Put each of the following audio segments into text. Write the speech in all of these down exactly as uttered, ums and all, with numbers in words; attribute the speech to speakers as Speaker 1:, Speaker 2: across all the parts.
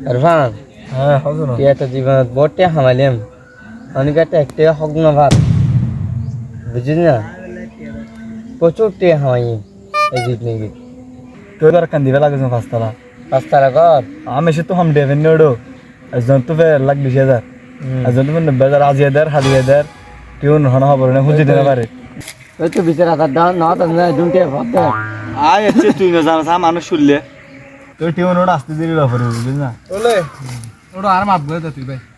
Speaker 1: ইরফান
Speaker 2: হ্যাঁ হবে না
Speaker 1: তুই এত জীবনত বটে হামাইলাম অনেক একটা একটা হক না ভাত বুঝিস না প্রচুর টে হামাই এই জিত নিয়ে
Speaker 2: তোর আর কান দিবে লাগে পাঁচতলা
Speaker 1: পাঁচতারা কর
Speaker 2: আমি সে তো হাম দেবেন নোডো একজন তো ফের লাখ বিশ হাজার একজন তো নব্বই হাজার আশি হাজার হালি হাজার কেউ নহনা খবর না খুঁজে দিতে পারে
Speaker 1: ওই তো বিচার হাজার দাও না তো না দুটে ভাবতে
Speaker 2: আয় আছে তুই না জানাস মানুষ শুনলে তোর টিউ নোড আসতে দিবি ব্যাপারে বুঝলিস না
Speaker 3: ওলে ওটা আর মাপ করে দে তুই ভাই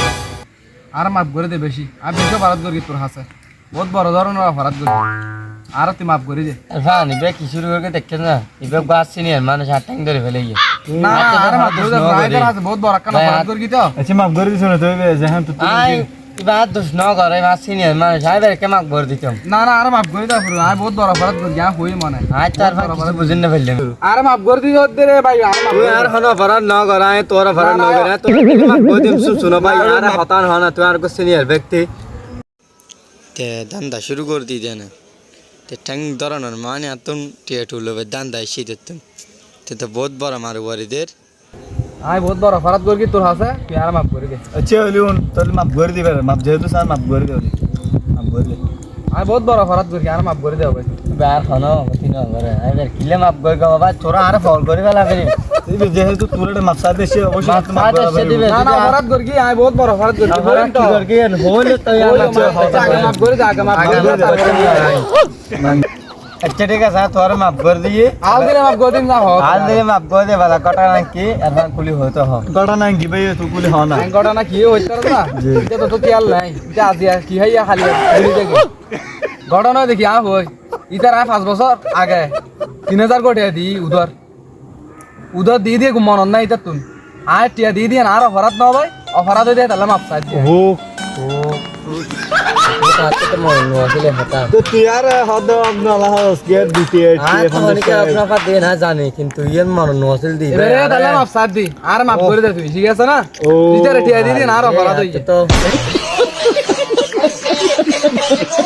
Speaker 3: আর মাপ করে দে বেশি আর বেশি ভারত করি তোর হাসে বহুত বড় ধরনের ভারত করি আর তুই মাপ করে দে
Speaker 1: ইরফান ইবে কি শুরু করে দেখছেন না ইবে গাছ সিনিয়র মানুষ হাত টাইম ধরে ফেলে গিয়ে
Speaker 3: না আর মাপ করে দে রাইডার হাসে বহুত বড় কানা ভারত করি তো
Speaker 2: আচ্ছা মাফ করে দিছ না তুই যেখান তো
Speaker 1: আই ইবে হাত দোষ ন করে মাছ সিনিয়র মানুষ আই বের কে মাক ভর দিতাম
Speaker 3: না না আর মাপ করে দে পুরো আর বহুত বড় ভারত করি যা হই মনে
Speaker 1: আই তার কিছু বুঝিন না ফেললাম
Speaker 3: আর মাপ করে দি দে রে ভাই আর মাপ
Speaker 1: তুই আর হনো ভরান ন করায় তোর ভরান ন করে তুই মাক ভর দিম শুনো ভাই আর হতান হনা তুই আর কো সিনিয়র ব্যক্তি তে দান্দা শুরু করে দি দেন তে ঠ্যাং ধরানোর মানে আতম টিয়া টুলবে দান্দা এসে দিতাম তে তো বহুত বড় মার ওয়ারিদের
Speaker 3: আই বহুত বড় ভারত করি তোর হাসে তুই আর মাপ করে দে
Speaker 2: আচ্ছা হলিউন তোর মাফ করে দিবে মাফ যেহেতু স্যার মাফ করে দে মাফ করে দে
Speaker 3: আই বহুত বড় ভারত করি আর মাপ করে দে ভাই
Speaker 1: বার হনো কতি ন করে আই বের কিলে মাপ কই গো বাবা তোরা আর ফল করে ফেলা ফেরি
Speaker 2: তুই যেহেতু তোর এটা মাফ সাথে সে অবশ্যই তো মাফ
Speaker 1: মাফ সাথে দিবে
Speaker 3: না না ভারত করি আই বহুত বড় ভারত করি
Speaker 1: ভরান কি কর কি হইল তো
Speaker 3: আগে মাপ করে দে আগে মাপ করে দে
Speaker 1: আচ্ছা ঠিক আছে তোর মাপ করে দিয়ে
Speaker 3: আল দিলে মাপ করে দিন না হোক
Speaker 1: আজ দিলে মাপ করে দে বালা কটা নাকি আর কুলি হতো হ
Speaker 2: গড়া না কি ভাই তুই কুলি হ না
Speaker 3: ঘটনা না কি হইছে না এটা তো তো তেল নাই এটা আজি আর কি হইয়া খালি ঘুরি দেখি ঘটনা দেখি আ হই ইতার আয় পাঁচ বছর আগে তিন হাজার কোটি দি উধর উধর দিয়ে দিয়ে মন নাই ইতার তুই আয় টিয়া দিয়ে দিয়ে আর অফারাত না ভাই অফারাত দিয়ে তাহলে মাপ চাই দিয়ে
Speaker 2: ও
Speaker 1: তো মন নসলে হতা
Speaker 2: তো তুই আর হদ আপনালা হস কে দিতে
Speaker 1: আর তো অনেকে আপনার পা দেন না জানে কিন্তু ইয়ের মন নসল দিবে
Speaker 3: এবারে তাহলে মাপ চাই দি আর মাপ করে দে তুই ঠিক আছে না ইতার টিয়া দিয়ে দিয়ে আর অফারাত হই
Speaker 1: তো